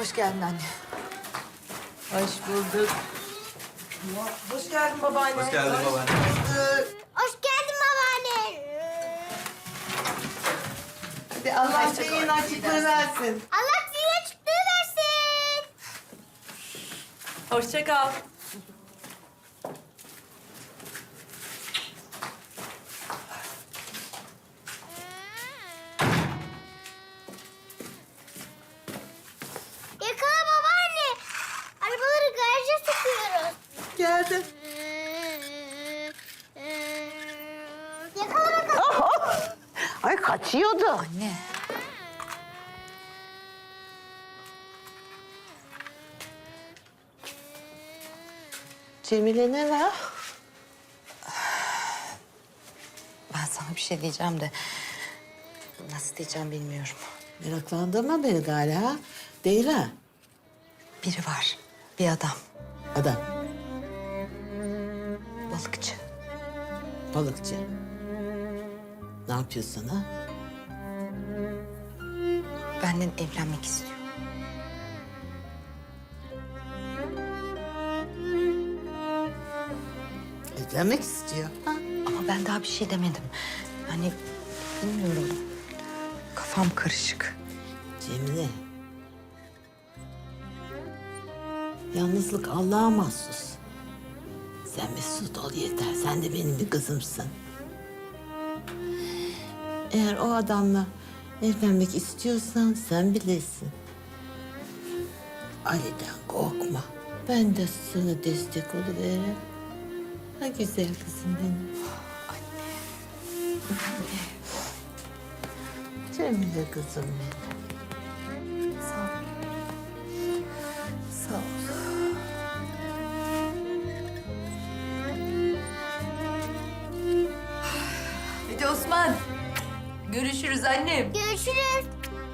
Hoş geldin anne. Hoş bulduk. Hoş geldin babaanne. Hoş geldin babaanne. Hoş geldin babaanne. Hadi Allah senin açıklığı versin. Allah size açıklığı versin. Hoşça kal. Yakala babaanne. Arabaları garaja sokuyoruz. Geldim. Yakala bakalım. Ay kaçıyordu. Anne. Cemile ne var? Ben sana bir şey diyeceğim de nasıl diyeceğim bilmiyorum. Meraklandırma beni galiba. Değil ha? Biri var. Bir adam. Adam. Balıkçı. Balıkçı. Ne yapıyorsun ha? Benden evlenmek istiyor. Evlenmek istiyor. Ha? Ama ben daha bir şey demedim. Yani bilmiyorum. Kafam karışık. Cemile. Yalnızlık Allah'a mahsus. Sen mesut ol yeter. Sen de benim bir kızımsın. Eğer o adamla evlenmek istiyorsan sen bilirsin. Ali'den korkma. Ben de sana destek oluveririm. Ha güzel kızım benim. Cemile kızım benim. Sağ ol. Sağ ol. Hadi Osman. Görüşürüz annem. Görüşürüz.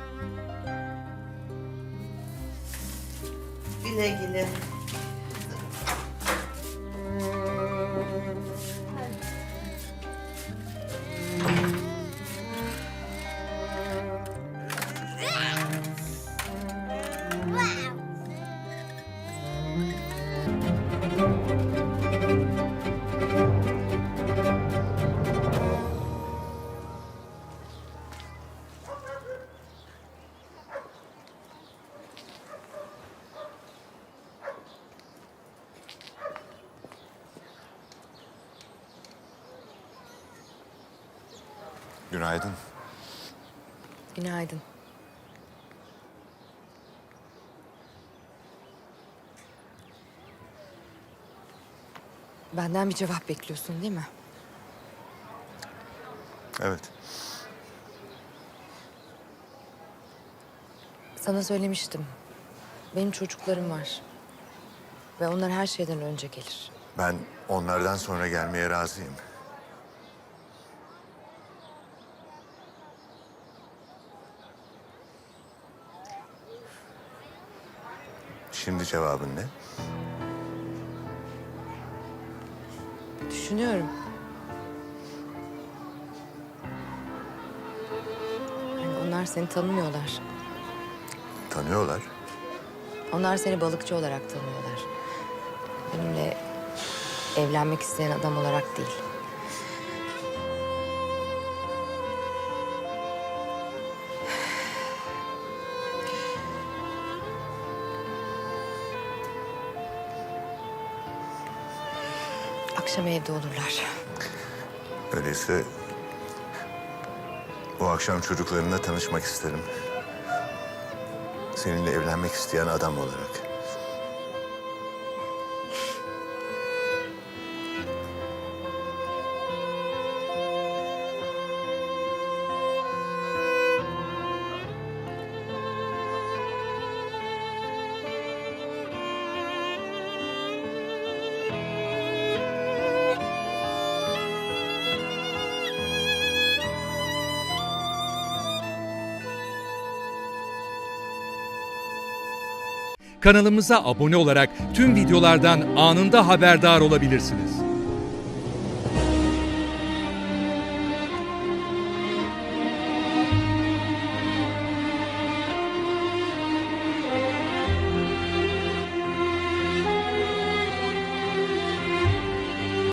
Güle güle. Günaydın. Günaydın. Benden bir cevap bekliyorsun değil mi? Evet. Sana söylemiştim. Benim çocuklarım var. Ve onlar her şeyden önce gelir. Ben onlardan sonra gelmeye razıyım. Şimdi cevabın ne? Düşünüyorum. Yani onlar seni tanımıyorlar. Tanıyorlar. Onlar seni balıkçı olarak tanıyorlar. Benimle evlenmek isteyen adam olarak değil. Akşam evde olurlar. Öyleyse bu akşam çocuklarınla tanışmak isterim. Seninle evlenmek isteyen adam olarak. Kanalımıza abone olarak tüm videolardan anında haberdar olabilirsiniz.